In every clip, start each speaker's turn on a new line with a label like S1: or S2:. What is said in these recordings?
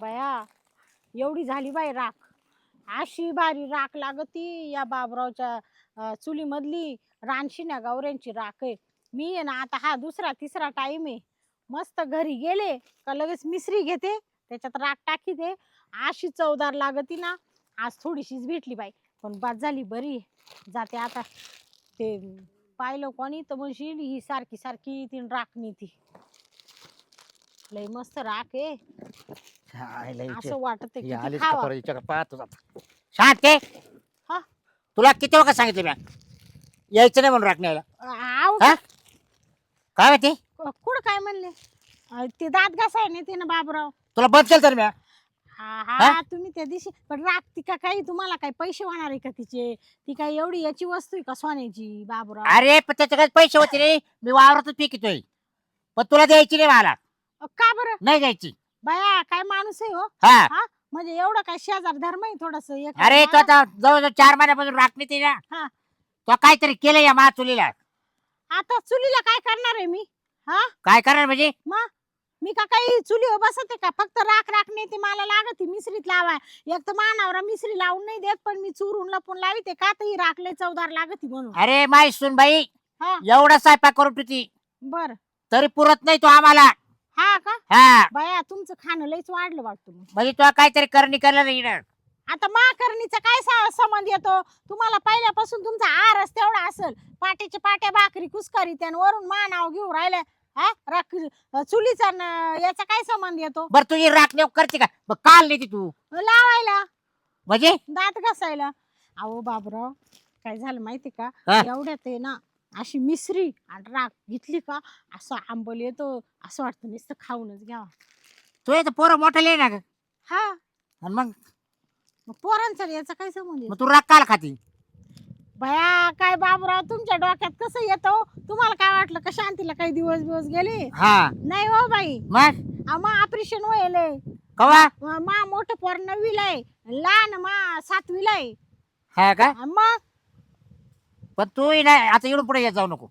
S1: बया एवढी झाली बाई राख. अशी भारी राख लागती या बाबरावच्या चुलीमधली रानशिन्या गौऱ्यांची राख आहे. मी आहे ना आता हा दुसरा तिसरा टाइम आहे. मस्त घरी गेले का लगेच मिसरी घेते त्याच्यात राख टाकीते. अशी चवदार लागती ना. आज थोडीशीच भेटली बाई पण बाद झाली बरी. जाते आता ते पाहिलं कोणी तर म्हणशील ही सारखी सारखी तीन राख नेती. लय मस्त राख आहे. असं वाटत किती खावा.
S2: पाहतो शांत आहे.
S1: हा
S2: तुला किती वखत सांगितलं मी यायचं नाही म्हणून राखण्याला.
S1: आव
S2: हा? काय माहिती
S1: कुठं काय म्हणले ते दात घासाय नाही ते ना बाबराव.
S2: तुला बंद केलं तर मी
S1: हा
S2: हा?
S1: हा तुम्ही त्या दिवशी पण राखती का काही तुम्हाला काही पैसे होणार आहे का तिचे. ती काय एवढी याची वस्तू आहे का सोन्याची बाबराव.
S2: अरे पण त्याचे काही पैसे होते रे मी वावरातच पिकतोय पण तुला द्यायची नाही मला.
S1: का बरं
S2: नाही द्यायची.
S1: बाया काय माणूस आहे हो.
S2: हा
S1: हा म्हणजे एवढं काय शेजार धर्म आहे थोडस.
S2: अरे तू आता जवळजवळ 4 महिन्यापासून राखणी ते ना.
S1: हा
S2: तो काहीतरी केलं या मा चुलीला.
S1: आता चुलीला काय करणार आहे मी. हा
S2: काय करणार म्हणजे
S1: मग मी का काही चुलीवर बसते का फक्त राख राख नाही ते मला लागत मिसरीत लावाय. एक तर मानावरा मिसरी लावून नाही देत पण मी चुरून लपून लाविते का तर ही राख लय चवदार लागती म्हणून.
S2: अरे माय सुन बाई
S1: हा
S2: एवढा स्वयंपाक करून तुझी
S1: बर
S2: तरी पुरत नाही तो आम्हाला.
S1: हा का
S2: हा
S1: बाया तुमचं खाणं लयच वाढलं वाटतं मग.
S2: म्हणजे तुला काहीतरी करणी केलं नाही ना.
S1: आता माकरणीचा काय संबंध येतो तुम्हाला. पहिल्यापासून तुमचा आरस तेवढा असेल. पाट्याच्या पाट्या भाकरी कुसकरी त्यान वरून मानाव घेऊन राहिलं. हा राख चुलीचा याचा काय संबंध येतो.
S2: बरं तुझी राखणी करते का मग काल नाही तू
S1: लावायला
S2: म्हणजे
S1: दात घासायला. अहो बाबराव काय झालं माहिती का
S2: हा?
S1: एवढ्यात आहे ना अशी मिसरी आणि राख घेतली का असं आंबल येतो. असं वाटतं नुसतं खाऊनच घ्यावा.
S2: तू येतं पोरं मोठं लिहि ना ग.
S1: हा
S2: आणि मग
S1: मग पोरांचा याचा काय संबंध
S2: मग
S1: येतो.
S2: तू राख काल खाती.
S1: भया काय बाबराव तुमच्या डोक्यात कसं येतो. तुम्हाला काय वाटलं का शांतीला काही दिवस दिवस गेले.
S2: हा
S1: नाही हो बाई
S2: मग
S1: मा ऑपरेशन व्हायलंय.
S2: कवा
S1: मा मोठं पोर 9वीला आहे लहान मा 7वीला आहे.
S2: हा का
S1: मग
S2: पण तू नाही आता इकडून पुढे येत जाऊ नको.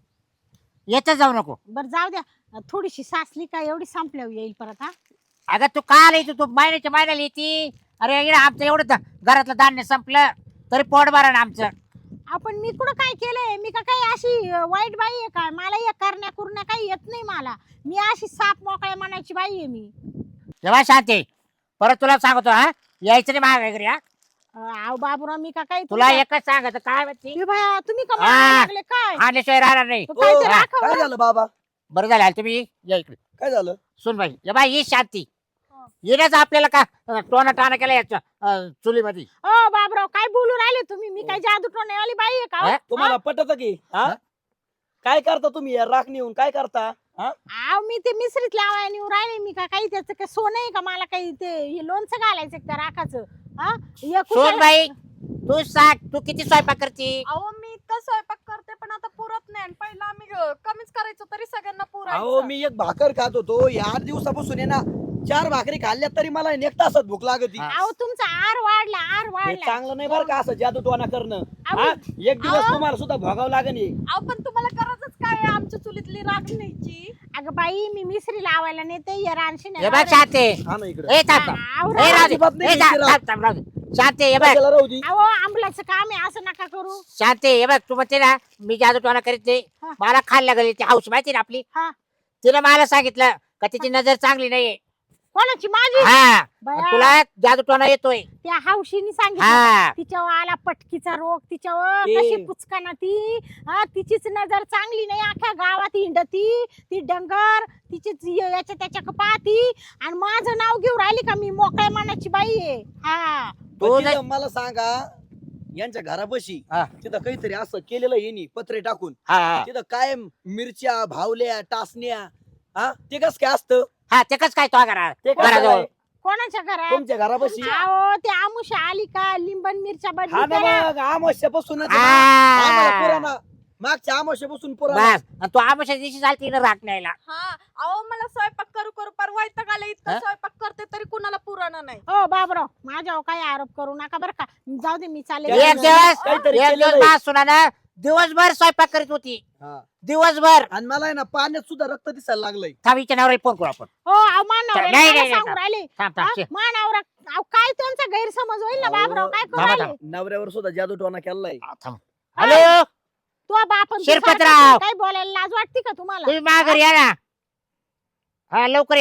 S2: येतच जाऊ नको.
S1: बर जाऊ द्या थोडीशी सासली का एवढी संपल्यावर येईल परत. हा
S2: अगं तू काल येतो तू महिन्याच्या महिन्याला येते. अरे इकडे आमचं एवढं घरातलं धान्य संपलं तरी पोट भरा ना आमचं.
S1: आपण मी कुठं काय केलंय. मी का काही अशी वाईट बाई आहे काय. मला या करण्या कुरण्या काही येत नाही मला. मी अशी साप मोकळ्या मनाची बाई आहे मी.
S2: जेव्हा शांती परत तुला सांगतो हा यायचं नाही माझ्या घरी. हा
S1: आव बाबूराव मी का काही
S2: तुला एकच सांगायचं काय माहिती
S1: ए बाया तुम्ही का
S2: हा.
S1: मारायला लागले काय.
S2: आणल्याशिवाय राहणार नाही.
S1: काय ते
S2: हा.
S1: राखव
S3: काय
S1: ना.
S3: झालं बाबा.
S2: बरं झालं आले तुम्ही या इकडे.
S3: काय झालं.
S2: सुन बाई ये बाई ही शांती
S1: हा.
S2: येण्याचं आपल्याला का टोना टाना केला याच्या चुलीमध्ये.
S1: ओ बाबराव काय बोलू राहिले तुम्ही. मी काय जादू टोण्यावाली बाई आहे का हो?
S2: हा?
S3: तुम्हाला पटत की हा काय करता तुम्ही या राख नेऊन काय करता. हा
S1: आव मी ते मिसरीत लावाय नेऊ राहिले. मी का काही त्याचं काय सोनं आहे का मला काही ते हे लोणचं घालायचं का त्या राखाचं. हा हे
S2: सुन
S1: कुठं-
S2: बाई तू सांग तू किती स्वयंपाक करते.
S4: अहो मी तर स्वयंपाक करते पण आता पुरत नाही आणि पहिला आम्ही कमीच करायचो तरी सगळ्यांना
S3: अहो
S4: पुरायचं.
S3: मी एक भाकर खात होतो या 8 दिवसापासून आहे ना 4 भाकरी खाल्ल्या तरी मला 1 तासात भूक लागत.
S2: हा.
S1: अहो तुमचा आर वाढला आर
S3: हे
S1: वाढला.
S3: चांगलं नाही बरं का असं जादूटवाना करणं.
S1: अहो,
S3: हा एक दिवस
S4: अहो.
S3: तुम्हाला सुद्धा भोगावं लागेल हे.
S4: अहो पण तुम्हाला गरजच काय आहे आमच्या चुलीतली राख न्यायची.
S1: अगं बाई मी मिसरी लावायला नेते या रानशी
S2: हे बघ शांती
S3: हा ना इकडे
S2: ए थांब थांब.
S1: आवरा.
S2: ए राहू दे.
S3: अजिबात नाही
S2: ए थांब,
S3: घ्यायची
S2: थांब, थांब, राहू दे. शांती हे बघ
S3: राहू दे.
S1: अहो आंबलाचं काम आहे असं नका करू.
S2: शांती हे बघ तू म्हणते ना मी जादू टोना करीत नाही.
S1: हा.
S2: मला खायला लागली ती हौस माहिती ना आपली.
S1: हा
S2: तिने मला सांगितलं का तिची नजर चांगली नाहीये.
S1: कोणाची माझी.
S2: हा
S1: बया.
S2: तुला जादू टोना येतोय.
S1: त्या हौशीने सांगितलं
S2: हा
S1: तिच्यावर आला पटकीचा रोग. तिच्यावर
S3: ते-
S1: कशी पुचकाना ती. हा तिचीच नजर चांगली नाही. अख्ख्या गावात हिंडती ती डंगर. तिचीच याच्या त्याच्या पाहती आणि माझं नाव घेऊन राहिली का मी मोकळ्या मनाची बाई आहे. हा
S2: तू
S3: पण
S2: जर-
S3: तिथं मला सांगा यांच्या घरापाशी
S2: हा.
S3: तिथं काहीतरी असं केलेलं येणी पत्रे टाकून
S2: हा
S3: तिथं कायम मिरच्या भावल्या टासण्या. हा ते कस काय असतं.
S2: हा ते कसं काय तो करा
S3: ते कसं
S2: घराजवळ.
S3: काय?
S1: कोणाच्या घरात.
S3: तुमच्या घरापाशी.
S1: अहो ते आमुषा आली का लिंबन मिरच्या
S3: हा
S1: बदली
S3: ना
S1: करा.
S3: मग अमावस्यापासून आम्हाला
S2: हा.
S3: पुराणा मागच्या अमावस्यापासून पुराणा.
S2: बस आणि तू आमच्या दिवशी चालती ना राख न्यायला.
S4: हा अहो मला स्वयंपाक करू करू पार वैताग आला. इतकं
S2: हा?
S4: स्वयंपाक करते तरी कुणाला पुराणा नाही.
S1: हो बाबराव माझ्यावर काही आरोप करू नका बरं का. जाऊ दे मी चालेल.
S3: त्याला
S2: एक दिवस
S3: काहीतरी
S2: एक
S3: केलेलं
S2: दिवस
S3: आहे.
S2: बा सुना ना दिवसभर स्वयंपाक करीत होती
S3: हा.
S2: दिवसभर.
S3: आणि मला आहे ना पाण्यात सुद्धा रक्त दिसायला लागलंय.
S2: थांबीच्या नवऱ्याला फोन करू आपण.
S1: हो अहो मानावर
S2: नाही, नाही,
S1: सांगू
S2: नाही.
S1: राहिले
S2: थांब थांब
S1: मानावर अहो काय त्यांचा गैरसमज होईल ना
S3: अहो,
S1: बाबराव काय करू
S2: थांबा,
S1: राहिले
S3: नवऱ्यावर सुद्धा जादूटोना केलाय.
S2: थांब. हॅलो
S1: तो बाप आणि तू
S2: शिरपतराव.
S1: सारखं काय बोलायला लाज वाटते का तुम्हाला
S2: तुम्ही माघारी या ना. हा लवकर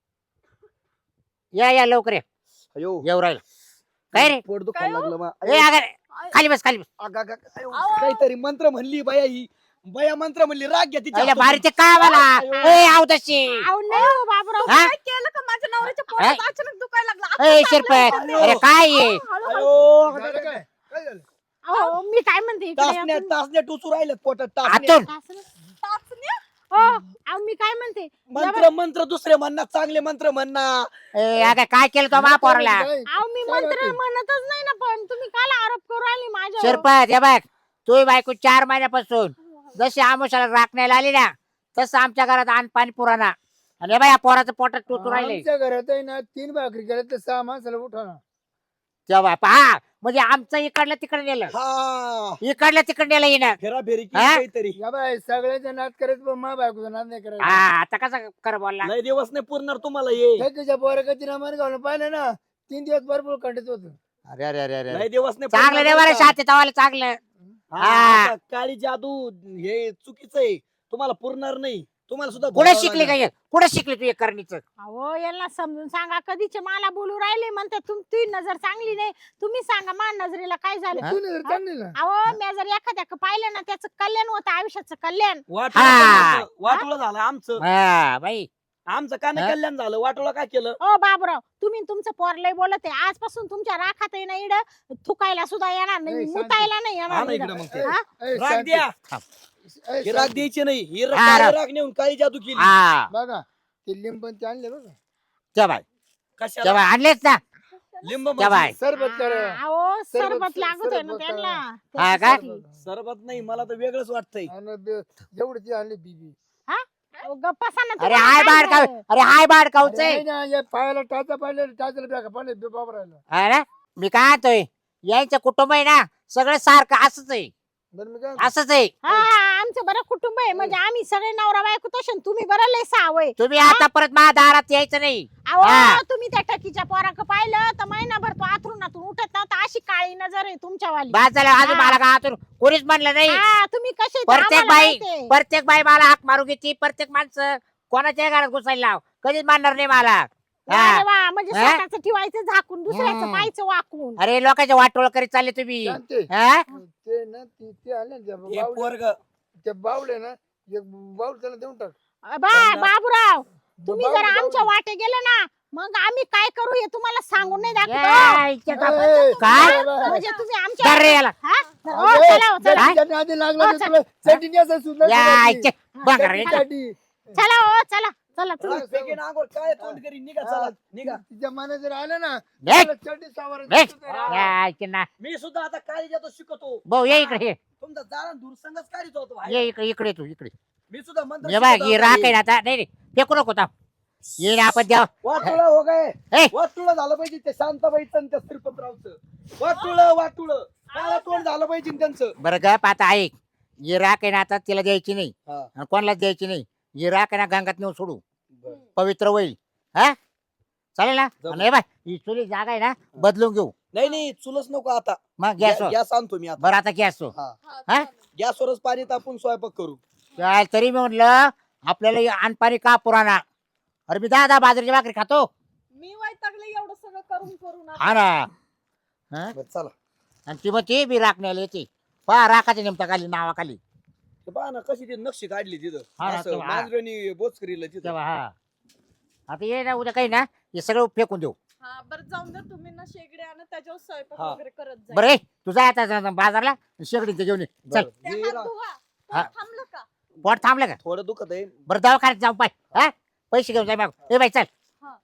S2: या लवकर या.
S3: अयो
S2: येऊ राहिलं काय रे?
S3: पोट दुखायला
S4: काय हो?
S3: लागलं
S2: ए अगं खाली बस खाली बस.
S3: अयो, काहीतरी मंत्र म्हणली बाया ही. बाया मंत्र म्हणली राग घ्या तिच्या
S2: अरे
S3: हातून.
S2: भारी ते काय मला
S3: अयो.
S2: ए आव तशी.
S1: अहो नाही हो बाबराव
S2: हा?
S4: काय केलं का माझ्या नवऱ्याच्या पोटात अचानक दुखायला लागला
S2: ए शिरपत अरे काय आहे?
S3: अयो,
S5: झालं काय काय झालं
S1: अहो मी काय म्हणते इकडे या
S3: टाचण्या
S1: तुम्ही.
S3: टाचण्या टुचू राहिल्यात पोटात टाचण्या.
S2: आतून
S4: टाचण्या?
S1: हो अहो मी काय म्हणते
S3: मंत्र मंत्र दुसरे म्हणणार चांगले मंत्र म्हणणार.
S2: ए अगं काय केलं तो महापौराला?
S5: काय?
S1: अहो मी
S5: काय
S1: मंत्र
S5: बाकी?
S1: म्हणतच नाही ना पण तुम्ही काल आरोप करू राहिले माझ्यावर
S2: शिरपत हे बघ तू बायको 4 महिन्यापासून जशी आमुषाला राखण्याला आली ना तसं आमच्या घरात अन्न पाणी पुराणा. आणि हे बाय या पोराचं पोटात टोचून राहिले.
S5: आमच्या घरात आहे ना 3 भाकरी केल्या तर 6 माणसाला उठवणार.
S2: तेव्हा पहा म्हणजे आमचं इकडलं तिकडे नेलं
S3: हा
S2: इकडलं तिकडे नेलं येणं.
S3: फेराफेरी केली
S2: हा?
S3: काहीतरी.
S5: या बाय सगळ्याचा नाद करायचं पण मा बायकोचा नाद नाही
S2: हा
S5: करायचा.
S2: आता कसं कर बोलला.
S3: लय दिवस नाही पुरणार तुम्हाला ये.
S5: हे तुझ्या पोरकाची मन घालून पाहिलं ना 3 दिवस भरपूर खंडित होत.
S2: अरे अरे अरे अरे
S3: लय दिवस नाही
S2: चांगलं रे
S3: पुरणार
S2: बरं
S3: बरं का?
S2: शाते तवाला चांगलं.
S3: हा,
S2: हा.
S3: आता काळी जादू हे चुकीचं आहे. तुम्हाला पुरणार नाही. तुम्हाला सुद्धा
S2: कुठे
S3: भोगावं
S2: शिकली
S3: लागेल.
S2: काय कुठे शिकली तू हे करणीचं?
S1: अहो यांना समजून सांगा कधीचे मला बोलू राहिले म्हणते तुमची नजर चांगली नाही तुम्ही सांगा मा नजरेला काय झालं
S2: हा?
S5: तू नाही चांगली ना.
S1: अहो मी जर एखाद्या पाहिलं ना त्याचं कल्याण होतं आयुष्याचं कल्याण
S3: वाटोळं
S2: हा.
S3: झालं. वाटोळं झालं आमचं.
S2: हा बाई
S3: आमचं का नाही
S2: हा?
S3: कल्याण झालं. वाटोळं काय केलं.
S1: ओ बाबराव तुम्ही न तुमचं पोरलय बोलत आहे आजपासून तुमच्या राखात आहे ना इड थुकायला सुद्धा येणार नाही
S5: नाही, शांती.
S1: मुतायला नाही
S3: हा
S1: येणार
S3: ना इकडं
S1: इडं.
S3: मग ते.
S1: हा?
S5: ए,
S3: राग
S5: शांती.
S3: द्या.
S5: ए,
S3: ही राग
S5: शांती.
S3: द्यायची नाही. ही
S2: हा,
S3: काळी
S2: राग.
S3: राग नेऊन काळी जादू केली.
S2: हा
S5: बघा ते लिंबन ते आणले बघा
S2: तेव्हा
S3: कशाला
S2: तेव्हा आणलेच ना
S3: लिंब
S2: तेव्हा
S3: म्हणजे
S5: सरबत करा.
S1: अहो सरबत लागत आहे ना
S5: सरबत
S1: त्यांना
S2: हा का?
S1: त्याच्यासाठी.
S3: सरबत नाही मला तर वेगळंच वाटतंय.
S5: जेवढी ती आणली बीबी.
S1: अहो, गप्प बसा ना
S2: अरे
S1: तुम्हाला
S2: हाय
S1: काय
S2: बाड का
S1: झालं?
S2: अरे हाय बाड
S5: अरे
S2: काऊचय
S5: नाही ना, या पायाला टाचा पाडले टाचाला बॅगा पाडले बाबा राहिला.
S2: अरे मी काय म्हणतोय यांचं कुटुंब आहे ना सगळं सारखं असंच आहे
S5: बरं मी काय
S2: असंच आहे.
S1: हा आमचं बरं कुटुंब आहे म्हणजे आम्ही सगळे नवरा बायको तसे तुम्ही बरं लय सावय
S2: तुम्ही आता परत माझ्या दारात यायचं नाही.
S1: अहो
S2: हा.
S1: तुम्ही त्या टकीच्या पोराक पाहिलं तर महिनाभर तो आथरुणातून उठत नव्हता अशी काळी नजर आहे तुमच्यावाली
S2: बाद झालं अजून
S1: हा.
S2: मला का आतून कोणीच म्हणलं नाही.
S1: हा तुम्ही कसे ते
S2: प्रत्येक
S1: आम्हाला
S2: बाई
S1: माहिती आहे.
S2: प्रत्येक बाई मला हाक मारू घेते प्रत्येक माणसं कोणाच्या घरात घुसायला लाव कधीच मानणार नाही मला. हा.
S1: अरे वा म्हणजे
S2: हा?
S1: स्वतःच ठेवायचं झाकून दुसऱ्याचं
S2: हम्म.
S1: पाहायचं वाकून
S2: अरे लोकांच्या वाटोळ करीत चालले तुम्ही.
S5: शांती.
S2: हा?
S5: ते ना ते आले ना
S3: हे
S5: त्या
S3: पोरग
S5: त्या बावले ना एक बाऊल त्याला देऊन टाक.
S1: बाबूराव तुम्ही
S5: बावले,
S1: जर
S5: बावले.
S1: आमच्या वाटे गेले ना मग आम्ही काय करू हे तुम्हाला सांगून नाही दाखवतो
S2: या, इच्छा का-
S5: ए,
S2: काय?
S1: म्हणजे तुम्ही
S2: धर
S1: आमच्या
S2: रे याला.
S1: हा? हो,
S5: अरे,
S1: चला हो, चला.
S5: जर त्याच्या नादी लागला
S1: हो,
S5: तर
S1: चल.
S5: तुला चटणी असं सुद्धा
S2: या,
S5: नाही.
S2: इच्छा. बघ रे.
S5: चटणी.
S1: चला हो चला चला तुम्ही
S3: राग फेकेन अंगावर काय तोंड करी. निघा चला निघा.
S5: तिच्या मनात जर आलं ना
S2: निघ.
S5: त्याला चटणी सावरायची
S2: निघ.
S5: सुद्धा नाही.
S2: या, इच्छा ना.
S3: मी सुद्धा आता काळी जादू शिकतो.
S2: भाऊ ये इकडे ये.
S3: तुमचा जाणं दूरसंगच काढीत होतो बाहेर.
S2: ये इकडे इकडे तू इकडे
S3: मी सुद्धा मंत्र
S2: ये बघ
S3: शिकत
S2: ही
S3: होतो.
S2: राख आहे ना आता नाही फेकू नको आता ये ना आपण द्या.
S3: वाटुळं हो गए.
S2: ए.
S3: वाटुळं झालं पाहिजे ते शांताबाईचं आणि त्या श्रीपतरावचं. वाटुळं काळं तोंड झालं पाहिजे त्यांचं.
S2: बरं गप आता ऐक ही राख आहे ना आता तिला द्यायची नाही
S3: हा.
S2: आणि कोणालाच द्यायची नाही. ही राख आहे ना गंगात नेऊन सोडू
S3: बरं.
S2: पवित्र होईल. हा चालेल ना.
S3: जमलं.
S2: आणि हे बाय ही चुली जागा आहे ना बदलून घेऊ
S3: नाही चुलच नको आता.
S2: मग गॅसवर
S3: गॅस आणतो मी आता.
S2: बरं आता गॅस
S3: हा
S4: हा,
S2: हा?
S4: चालेल.
S3: गॅसवरच पाणी तापून स्वयंपाक करू.
S2: काय तरी मी म्हटलं आपल्याला हे अनपाणी का पुराणा. अरे मी 10 बाजरीची भाकरी खातो.
S4: मी वैतागले एवढं सगळं करून
S2: हा ना. हा?
S3: बरं, चला
S2: आणि ती मग ती बी राखण्याला येते पहा राखाच्या नेमता खाली नावाखाली
S3: ते पहा ना कशी ती नक्षी काढली तिथं.
S2: हा ना,
S3: असं
S2: तेव्हा.
S3: मांजरानी बोचकरीला तिथं.
S2: तेव्हा हा आता ये ना उद्या काही ना हे सगळं फेकून देऊ.
S4: हा बरं जाऊन दे तुम्ही ना शेगडे आणि त्याच्यावर स्वयंपाक
S3: हा.
S4: वगैरे करत जा.
S2: बरं तुझा आता बाजारला शेगडीचं घेऊन ये. चल
S3: बरं,
S4: ते
S3: हे
S4: हात
S3: रा-
S4: धुवा.
S2: हा.
S4: पोट थांबलं का?
S2: पोट थांबलं का
S3: थोडं दुखत आहे.
S2: बरं दवाखान्यात जाऊ पाय हा पैसे घेऊन जाय मग ए बाई चल.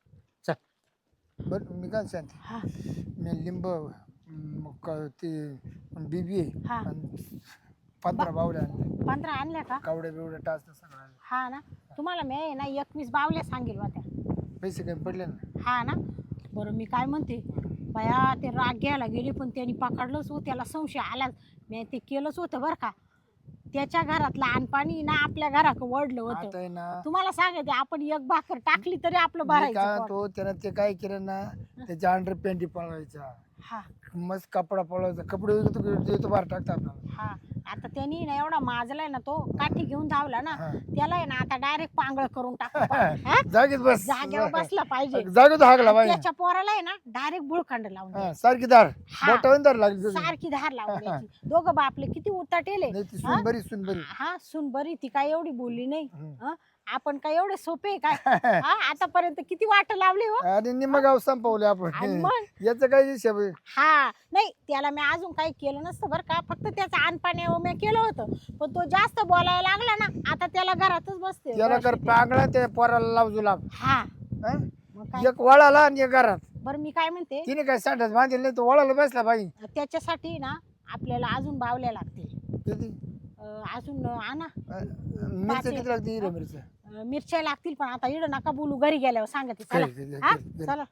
S5: बरं मी काय शांती
S1: हा.
S5: मी लिंब ते बीबी
S1: हा.
S5: आणि 15 बावल्या आणल्या
S1: 15 आणल्या का
S5: कावड्या बिवड्या टाच सगळं आणलं.
S1: हा ना तुम्हाला मी आहे ना 21 बावल्या सांगेल होत्या
S5: पैसे काही पडले ना.
S1: हा ना बरं मी काय म्हणते बाया ते राग घ्यायला गेले पण त्यांनी पकडलंच हो त्याला संशय आलाच मी ते केलंच होतं बरं का त्याच्या घरातलं आणपाणी ना आपल्या घरात वडलं होतं.
S5: आता आहे ना
S1: तुम्हाला सांगते आपण एक भाकर टाकली तरी आपलं
S5: मी
S1: भरायचं
S5: काय
S1: पोट.
S5: तो त्यानं ते काय केलं ना त्याच्या अंडर पॅन्टी पळवायचा
S1: हा
S5: मस्त कपडा पळवायचा कपडे येतो बाहेर टाकता आपल्याला
S1: हा आता त्यांनी ना एवढा माजलाय ना तो काठी घेऊन धावला ना
S5: हा.
S1: त्याला आहे ना आता डायरेक्ट पांगळ करून टाक
S5: जागेत बस
S1: जागेवर बसला पाहिजे.
S5: जागेत हागला बाई
S1: त्याच्या पोराला आहे ना डायरेक्ट बुळखंड लावून द्यायचं.
S5: सारखी दार
S1: हा.
S5: बोटावून दार लागली
S1: सारखी धार लावून द्यायची. दोघं बापले किती उताटेले.
S5: नाही ती सून बरी सून बरी
S1: हा सुन बरी ती काय एवढी बोलली नाही.
S5: हम्म.
S1: हं? आपण काय एवढे सोपे आहे काय हा आतापर्यंत किती वाट लावली हो.
S5: आणि निम्म गाव संपवले
S1: आणि
S5: आपण
S1: मग
S5: याचं काय हिशेब आहे?
S1: हा नाही त्याला मी अजून काही केलं नसतं बरं का फक्त त्याचं आणपाणी मी केलं होतं पण तो जास्त बोलायला लागला ना आता त्याला घरातच बसते
S5: त्याला कर
S1: बस.
S5: पांगळा त्या पोराला लाव जुलाब
S1: हा
S5: हं?
S1: मग काय
S5: एक वळाला आणि एक घरात
S1: बरं मी काय म्हणते
S5: तिने काय सांडत बांधेल नाही तो वळाला बसला बाई
S1: त्याच्यासाठी ना आपल्याला अजून बावल्या लागतील.
S5: किती
S1: अजून आणा
S5: मिरची किती लागते हिरव्या मिरच्या
S1: मिरच्या लागतील पण आता इड नका बोलू घरी गेल्यावर सांगते चला. हा चला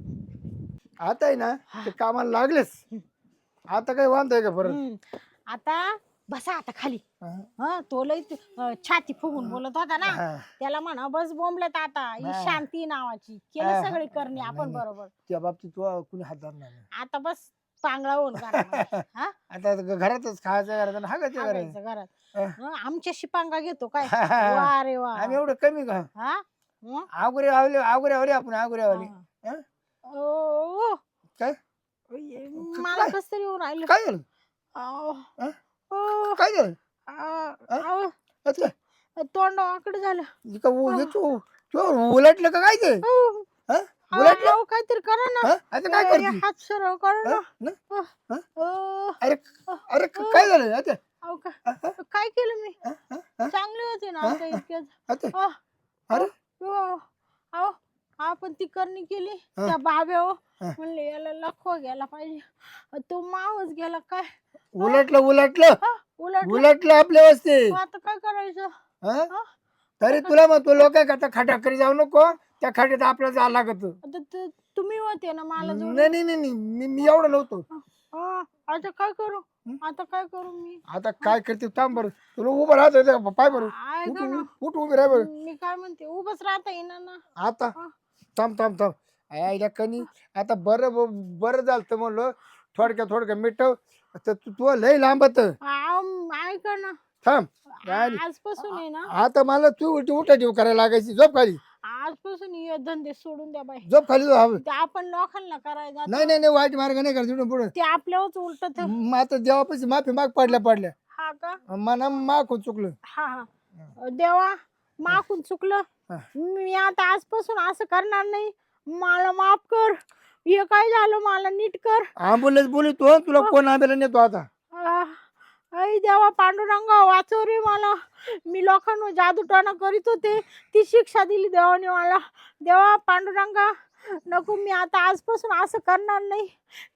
S5: आता आहे ना ते कामाला लागलेच आता काही वांध आहे का परत
S1: हम्म. आता बसा आता खाली.
S5: हं?
S1: हा तो लय छाती फुगून बोलत होता ना
S5: हा.
S1: त्याला म्हणा बस बोंबलत आता ही
S5: हा.
S1: शांती नावाची
S5: हा.
S1: केलं सगळे करणे आपण
S5: नाही, नाही.
S1: बरोबर.
S5: त्या बाबतीत तू कुणी हात धरणार नाही
S1: आता बस पांगळा होऊन घरामध्ये. हा
S5: आता घरातच खायचं घरात आणि हागायचं घरात
S1: हागायचं घरात.
S5: हा.
S1: हं, आमच्याशी पांगा घेतो काय
S5: हा, हा, हा.
S1: वा रे वा.
S5: आम्ही एवढं कमी का
S1: हा हं?
S5: आगुरे आवले आपण आगुरे आवले
S1: हा.
S5: हं?
S1: ओ,
S5: काय
S1: मला कस तरी येऊन राहिलं.
S5: काय झालं
S1: आव.
S5: हं?
S1: ओ,
S5: काय झालं
S1: आव.
S5: आता
S1: तोंड वाकड झालं.
S5: इका तू उलटलं का काय ते
S1: अहो,
S5: हं? उलटलं
S1: अहो, काहीतरी करा ना.
S5: हं? आता काय
S1: अरे,
S5: करते
S1: हात सरळ करा ना.
S5: हं? हं? हं?
S1: ओ,
S5: अरे अरे काय झालं आता
S1: अहो, काय केलं मी
S5: हं? हं? हं?
S1: चांगले होते ना आता इतक्यात.
S5: आता
S1: अहो,
S5: अरे
S1: अहो, आपण ती करणी केली
S5: हं.
S1: त्या बाब्या
S5: हं.
S1: म्हणले याला लखवा गेला पाहिजे तो मावच गेला काय
S5: उलटलं
S1: उलट
S5: उलटलं आपल्या वस्ती
S1: आता काय करायचं.
S5: हं?
S1: हं?
S5: तरी तुला मग तू लोक करता खटाखरी जाऊ नको त्या खड्यात आपल्याला जावं लागत
S1: आता तुम्ही होते ना मला जोडून.
S5: नाही नाही नाही नाही. मी एवढं नव्हतो
S1: हं, आता काय करू आता काय करू मी.
S5: आता काय करते थांब बरं तुला उभं राहत पाय बरं
S1: ऐका ना
S5: उठ उभी राह बरं
S1: मी काय म्हणते उभंच राहता येईना ना.
S5: आता
S1: हं.
S5: थांब आईला कनी आता बरं झालं तर म्हणलं थोडक्या मिठव तर तू लय लांबत
S1: ऐका ना
S5: थांब आणि
S1: आजपासून आहे ना
S5: आता मला तू उठा ठेव करायला लागायची झोप खाली
S1: आजपासून हे धंदे सोडून द्या बाई.
S5: झोप खाली
S1: ते आपण लोकांना करायला
S5: नाही नाही नाही वाईट मार्ग नाही करायचं पुढे
S1: ते आपल्यावरच उलटत.
S5: मग आता देवापाशी माफी माग पडल्या
S1: हा का
S5: मना माग चुकलं
S1: हा हा देवा माकून चुकलं.
S5: हा.
S1: मी आता आजपासून असं करणार नाही. मला माफ कर. हे काय झालं मला नीट कर.
S5: ॲम्ब्युलन्स बोलतो तुला कोण आंब्याला नेतो आता
S1: आई देवा पांडुरंगा वाचव रे मला. मी लोकांवर जादूटोणा करीत होते ती शिक्षा दिली देवाने मला. देवा पांडुरंगा नको मी आता आजपासून असं करणार नाही.